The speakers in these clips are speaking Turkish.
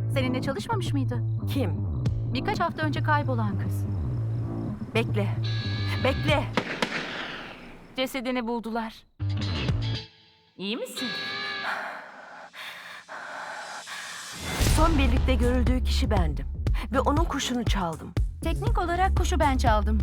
Seninle çalışmamış mıydı? Kim? Birkaç hafta önce kaybolan kız. Bekle. Bekle. Cesedini buldular. İyi misin? Son birlikte görüldüğü kişi bendim. Ve onun kuşunu çaldım. Teknik olarak kuşu ben çaldım.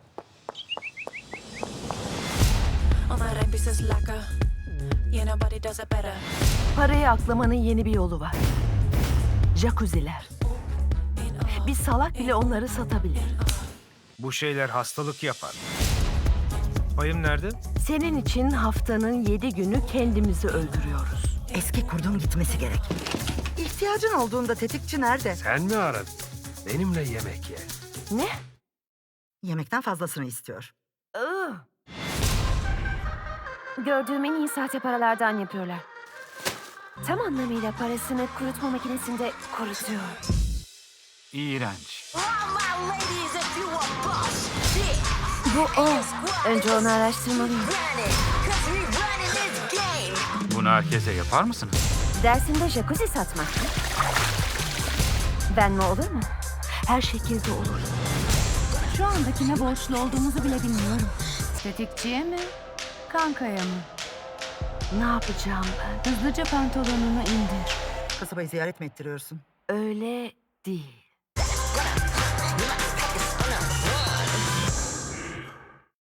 All my rap is lacquer. Yeah, nobody does it better. Parayı aklamanın yeni bir yolu var. Jacuzziler. Bir salak bile onları satabilir. Bu şeyler hastalık yapar. Payım nerede? Senin için haftanın 7 günü kendimizi öldürüyoruz. Eski kurdun gitmesi gerek. İhtiyacın olduğunda tetikçi nerede? Sen mi aradın? Benimle yemek ye. Ne? Yemekten fazlasını istiyor. Iı. Gördüğüm en iyi sahte paralardan yapıyorlar. Tam anlamıyla parasını kurutma makinesinde kurutuyor. İğrenç. Bu o. Önce onu araştırmalıyım. Bunu herkese yapar mısınız? Dersinde jacuzzi satmak mı? Ben mi olur mu? Her şekilde olur. Şu anda kime borçlu olduğumuzu bile bilmiyorum. Tetikçiye mi? Kankaya mı? Ne yapacağım ben? Hızlıca pantolonunu indir. Kasabayı ziyaret mi ettiriyorsun? Öyle değil.